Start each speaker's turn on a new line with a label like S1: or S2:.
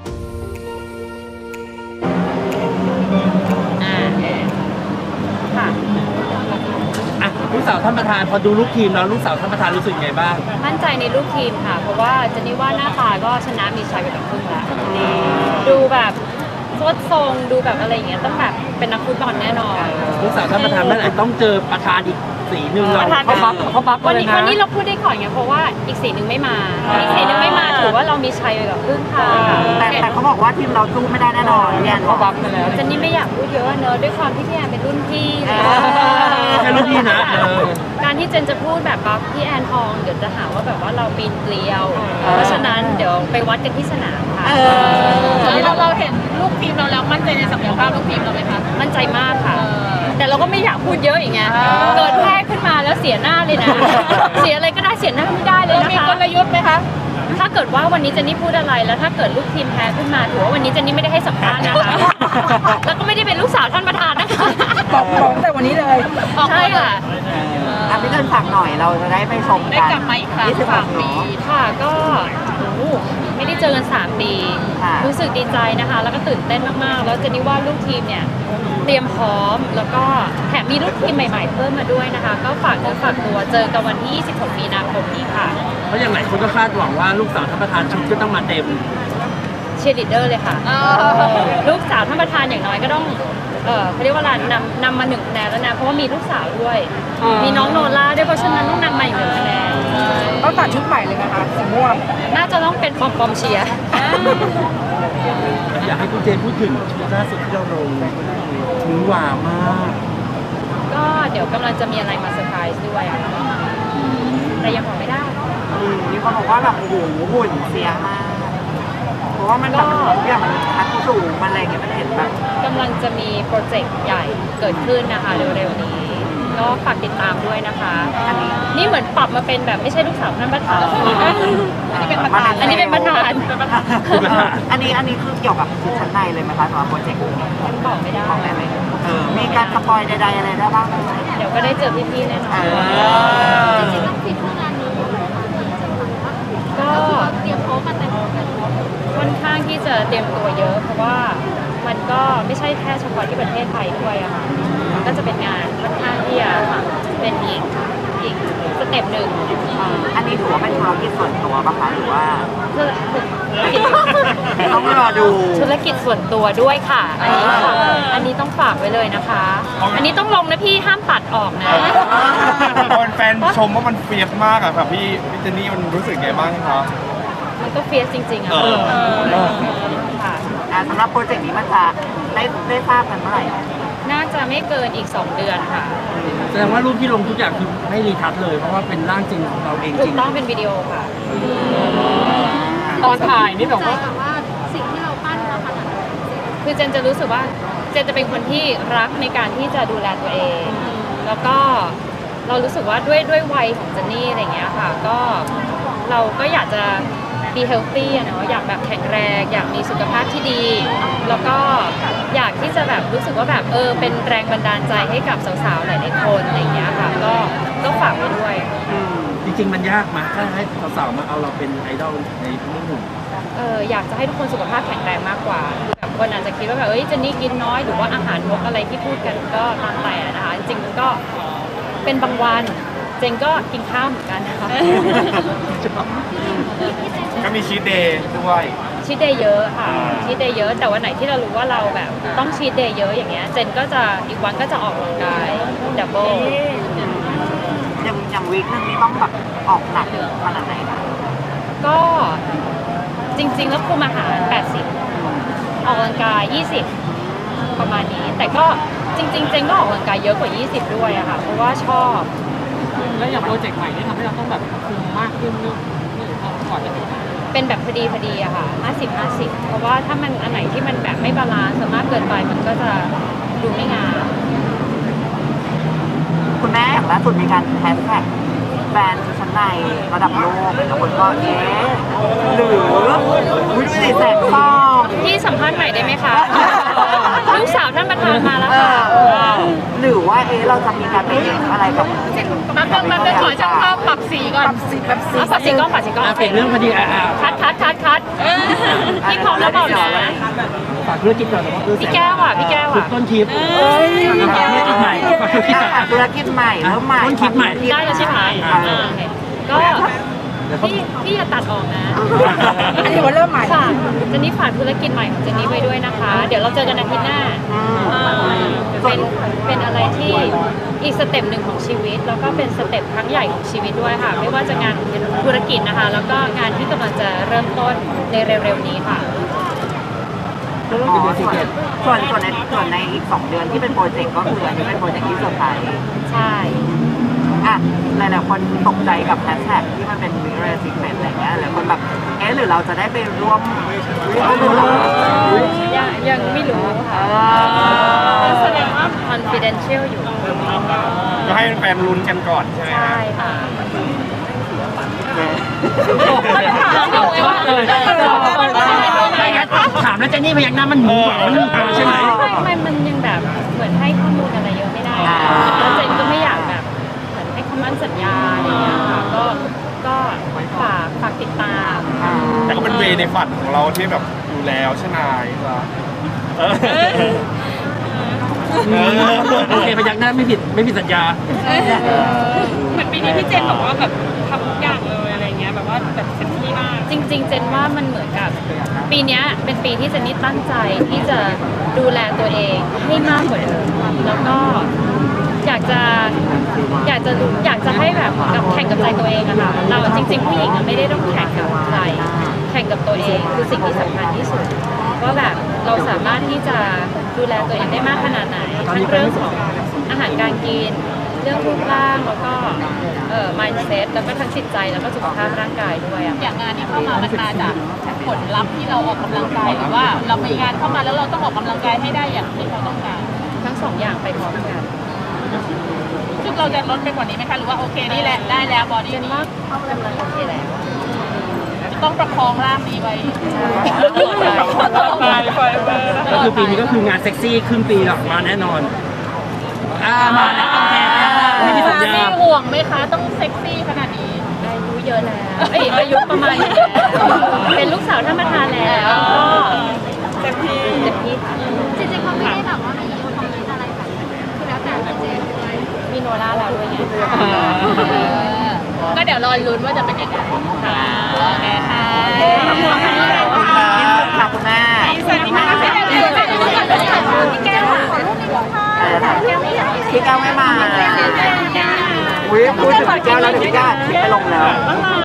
S1: ค่ะ
S2: ลูกสาวท่านประธานพอดูลูกทีมแล้วลูกสาวท่านประธานรู้สึกไงบ้าง
S1: มั่นใจในลูกทีมค่ะเพราะว่าเจนนี่ว่าหน้าตาก็ชนะมีชัยไปกับครึ่งแล้วดูแบบสดทรงดูแบบอะไรอย่างเงี้ยต้องแบบเป็นนักฟุตบอลแน่นอน
S2: ลูกสาวท่านประธานนั่นแหละต้องเจอประธานอีกสีหนึ่งเราเขาบัฟ
S1: วันนี้เราพูดได้ก่อนไงเพราะว่าอีกสีหนึ่งไม่มาอีกสีหนึ่งไม่มาถือว่าเรามีชัยไปกับครึ่งค่ะ
S3: แต่เขาบอกว่าทีมเราสู้ไม่ได้แน่นอนเนี่ยเขาบัฟไปแล้ว
S1: เจนนี่ไม่อยากพูดเยอะเนอะด้วยความที่พี่แอนเป็นรุ่นพี่
S2: แค่รุ่นพี่นะ
S1: การที่เจนจะพูดแบบบัฟพี่แอนทองเดี๋ยวจะหาว่าแบบว่าเราปีนเกลียวเพราะฉะนั้นเดี๋ยวไปวัดกันที่สนามค่ะ
S4: เราเห็นลูกทีมเราแล้วมั่นใจในศักยภาพลูกทีมเราไหมคะ
S1: มั่นใจมากค่ะแต่เราก็ไม่อยากพูดเยอะอย่างเงี้ยเกิดแพ้ขึ้นมาแล้วเสียหน้าเลยนะเสียอะไรก็ได้เสียหน้าไม่ได้เลยนะคะ
S4: มีกลยุทธ์ไหมคะ
S1: ถ้าเกิดว่าวันนี้เจนนี่พูดอะไรแล้วถ้าเกิดลูกทีมแพ้ขึ้นมาถือว่าวันนี้เจนนี่ไม่ได้ให้สัมภาษณ์นะคะแล้วก็ไม่ได้เป็นลูกสาวท่านประธานนะคะ
S3: บอกแต่วันนี้เลย
S1: ใช่ค่ะ
S3: พี่เดินฝากหน่อยเราจะได้ไปชมกัน
S4: ได้กลับมาอีกครั้ง3 ปี
S1: ค่ะก็ไม่ได้เจอกัน3 ปีรู้สึกดีใจนะคะแล้วก็ตื่นเต้นมากๆแล้วเจนนี่ว่าลูกทีมเนี่ยเตรียมพร้อมแล้วก็แถมมีลูกทีมใหม่ๆเพิ่มมาด้วยนะคะก็ฝากเนื้อฝากตัวเจอกันวันที่26 มีนาคมนี้ค่ะ
S2: เพราะอย่างไรคนก็คาดหวังว่าลูกสาวท่านประธานชุดก็ต้องมาเต็ม
S1: เชียร์ลีดเดอร์เลยค่ะลูกสาวท่านประธานอย่างน้อยก็ต้องเขาเรียกว่าอะไรนำมา1 คะแนนแล้วนะเพราะว่ามีลูกสาวด้วยมีน้องโนล่าด้วยเพราะฉะนั้นต้องนำมาอีก1 คะแนน
S3: ต้องตัดชุดใหม่เลยนะคะสีม่วง
S1: น่าจะต้องเป็นปอมเชียร์
S2: อยากให้คุณเจนพูดถึงชุดล่าสุดที่เราลงมือหวามาก
S1: ก็เดี๋ยวกำลังจะมีอะไรมาเซอร์ไพรส์ด้วยอะแต่ยังบอกไม่ได้
S3: มีคนบอกว่าแบบโอ้โหหุ่นเสียมากเพราะว่ามันแบบอย่างมันทัดสูงมันอะไรเงี้ยมันเห็นแบบ
S1: กำลังจะมีโปรเจกต์ใหญ่เกิดขึ้นนะคะเร็วๆนี้ก็ฝากติดตามด้วยนะคะนี่เหมือนปรับมาเป็นแบบไม่ใช่ลูกสาวท่านประธานอันนี้เป็นประธานอันนี้เป็นประธาน
S3: อันนี้คือเกี่ยวกับชุดชั้นในเลยไหมคะสำหรับโปรเจกต์นี้
S1: บอกไม่ได้
S3: มีการสปอยใดๆอะไรได้บ้าง
S1: เดี๋ยวก็ได้เจอพี่ๆแน่นอนจริงๆต้องฟิตเท่านั้นก็เตรียมพร้อมมาแต่ค่อนข้างที่จะเตรียมตัวเยอะเพราะว่ามันก็ไม่ใช่แค่เฉพาะที่ประเทศไทยด้วยอะค่ะมันก็จะเป็นงานค่อนข้างที่จะเป็นอีกสเต็ปหนึ่ง
S3: อันนี้ถือว่าเป็นธุรกิจส่วนตัวป่ะคะหรือว่าต้องรอดู
S1: ธุรกิจส่วนตัวด้วยค่ะอันนี้ต้องฝากไว้เลยนะคะอันนี้ต้องลงนะพี่ห้ามตัดออกนะ
S5: คนแฟนชมว่ามันเฟียสมากอะค่ะพี่เจนนี่มันรู้สึกไงบ้างครับ
S1: มันก็เฟียสจริงๆอะค่ะ
S3: สำหรับโปรเจกต์นี้มันจะได้ทราบกันเมื่อไหร่
S1: น่าจะไม่เกินอีก2 เดือนค่ะ
S2: แสดงว่ารูปที่ลงทุกอย่างคือไม่รีทัชเลยเพราะว่าเป็นร่างจริงของเราเองจริง
S1: ถูกต้องเป็นวิดีโอค่ะ
S4: ตอนถ่ายนี่แบบว่า
S1: สิ่งที่เราปั้นมาขนาดคือเจนจะรู้สึกว่าเจนจะเป็นคนที่รักในการที่จะดูแลตัวเองแล้วก็เรารู้สึกว่าด้วยวัยของเจนนี่อะไรเงี้ยค่ะก็เราก็อยากจะbe healthy อะเนาะอยากแบบแข็งแรงอยากมีสุขภาพที่ดีแล้วก็อยากที่จะแบบรู้สึกว่าแบบเป็นแรงบันดาลใจให้กับสาวๆหลายๆคนอะไรอย่างเงี้ยค่ะก็ฝากไว้ด้วย
S2: จริงๆมันยากมั้ยถ้าให้สาวๆมาเอาเราเป็นไอดอลในเรื่องหนึ่ง
S1: อยากจะให้ทุกคนสุขภาพแข็งแรงมากกว่าคือแบบคนอาจจะคิดว่าแบบเจนนี่กินน้อยหรือว่าอาหารนกอะไรที่พูดกันก็ตามแต่นะคะจริงๆมันก็เป็นบางวันเจนก็กินข้าวเหมือนกันนะคะ
S5: ก็มีชีทเดย์ด้วย
S1: ชีทเดย์เยอะค่ะชีทเดย์เยอะแต่วันไหนที่เรารู้ว่าเราแบบต้องชีทเดย์เยอะอย่างเงี้ยเจนก็จะอีกวันก็จะออกกำลังกายดับเบิล
S3: อย่างวีคนึงนี่ต้องแบบออกหนักขนาดไหนคะ
S1: ก็จริงๆแล้วคุมอาหาร80ออกกำลังกาย20ประมาณนี้แต่ก็จริงๆเจนก็ออกกำลังกายเยอะกว่า20ด้วยอะค่ะเพราะว่าชอบ
S4: แล้วอย่างโปรเจกต์ใหม่นี่ทำให้เราต้องแบบคุมมากขึ้นนึกก่อนจะ
S1: เป็นแบบพอดีอะค่ะ50-50เพราะว่าถ้ามันอันไหนที่มันแบบไม่บาลานซ์มากเกินไปมันก็จะดูไม่งาม
S3: คุณแม่อย่างล่าสุดมีการแฮชแท็กแบรนด์ชั้นในระดับโลกเป็นคนก็หรือวิธีแสงฟอง
S1: ที่สัมภาษณ์ใหม่ได้ไหมคะลูกสาวท่านประธานมาแล้วค่ะ
S3: หรือว่าเราจะมีการไปอะไรกับ
S4: มันเป็นขอช่างภาพปรับสีก่อน
S1: ปรับสีกล้อง
S2: เป็นเรื่องพอดี
S1: คัดพี่พร้อมแล้วบอกนะ
S2: ฝากธุรกิจก่อนว่าคือ
S1: พี่แก้วอ่ะพี่แก้ว
S2: จุด
S1: อ่ะ
S2: ต้นคลิปฝากธุรกิจใหม่ฝากธุรกิจก่อน
S3: ธุรกิจใหม่เริ่มใหม่
S2: ต้นคิดใหม่
S1: ได้แล้วใช่ไหม
S3: อ่า
S1: โอเคก็พี่อย่าตัดออกนะ
S3: อันนี้ว่าเริ่มใหม่
S1: ฝากเจนนี่ฝากธุรกิจใหม่ของเจนนี่ไว้ด้วยนะคะ เดี๋ยวเราเจอกันอาทิตย์หน้าเป็นอะไรที่อีกสเต็ปหนึ่งของชีวิต แล้วก็เป็นสเต็ปครั้งใหญ่ของชีวิตด้วยค่ะ ไม่ว่าจะงานธุรกิจนะคะ แล้วก็งานที่กำลังจะเริ่มต้นในเร็วๆนี้ค่ะ
S3: อ๋อส่วนในอีก 2 เดือนที่เป็นโปรเจกต์ก็คืออันนี้เป็นโปรเจกต์ที่เซอร์ไพรส์
S1: ใช่
S3: อ่ะหลายๆคนตกใจกับแฮชแท็กที่มันเป็นวิเรสิกเมนอะไรเงี้ยหลายคนแบบหรือเราจะได้ไปร่วมเหรอ
S1: ยังไม่รู้ค่ะแสดงว่า confidential อยู่
S5: ก็ให้แฟนๆลุ้นกันก่อนใช่ไหม
S1: ใช่ค่ะ
S2: ถามแล้วเจนนี่พยักหน้ามันหมูมันใช่ไหม
S1: ไม่มันยังแบบเหมือนให้ข้อมูลอะไรเยอะไม่ได้แล้วเจนก็ไม่อยากแบบเหมือนให้คำมั่นสัญญาอะไรอย่างเงี้ยค่ะก็ฝากติดตาม
S5: แต่ก็เป็นเวในฝันของเราที่แบบอยู่แล้วใช่ไหมครับ
S2: โอเคพยักหน้าไม่ผิดสัญญา
S4: เหมือนปีนี้พี่เจนบอกว่าแบบทำทุกอย่างเลยอะไรเงี้ยแบบว่าแบบเต็มที่มาก
S1: จริงๆ เจนว่ามันเหมือนกับปีเนี้ยเป็นปีที่เจนนี่ตั้งใจที่จะดูแลตัวเองให้มากกว่าเดิมแล้วก็อยากจะให้แบบกับแข่งกับใจตัวเองอะค่ะเราจริงๆผู้หญิงอะไม่ได้ต้องแข่งกับใครแข่งกับตัวเองคือสิ่งที่สำคัญที่สุดว่าแบบเราสามารถที่จะดูแลตัวเองได้มากขนาดไหนทั้งเรื่องของอาหารการกินเรื่องรูปร่างแล้วก็mindset แล้วก็ทั้งจิตใจแล้วก็สุขภาพร่างกายด้วยอะ
S6: อย่างงานที่เข้ามามันมาจากผลลัพธ์ที่เราออกกำลังกายหรือว่าเรามีงานเข้ามาแล้วเราต้องออกกำลังกายให้ได้อย่างที่เขาต้องการ
S1: ทั้งสองอย่างไปพร้อมกัน
S6: ซึ่งเราจะลดไปกว่านี้ไหมคะหรือว่าโอเคนี่แหละได้แล้วบอดี้
S1: เจน
S6: นี้
S1: ว่ากำลังโอเคแล้ว
S6: จะต้องประคองร่างนี้ไว้
S2: ก็คือปีนี้ก็คืองานเซ็กซี่ครึ่งปีหลักมาแน่นอนมาแล้วโอเคไม่มีสัญญา
S6: มีห่วงไหมคะต้องเซ็กซี่ขนาดนี้
S1: อายุเยอะแล้วอายุประมาณนี้แล้วเป็นลูกสาวท่านประธานแล้วก็เต็มที่ค่ะ
S7: จริงๆเขาไม่ได้แบบว่ามีคอมเมนต์อะไรแบบคือแล้วแต่พี่เจนด้วย
S1: มีโนล่าแล้วด้วยไง
S6: ก็เดี๋ยวรอลุ้นว่าจะเป็นยังไง
S1: ค่ะ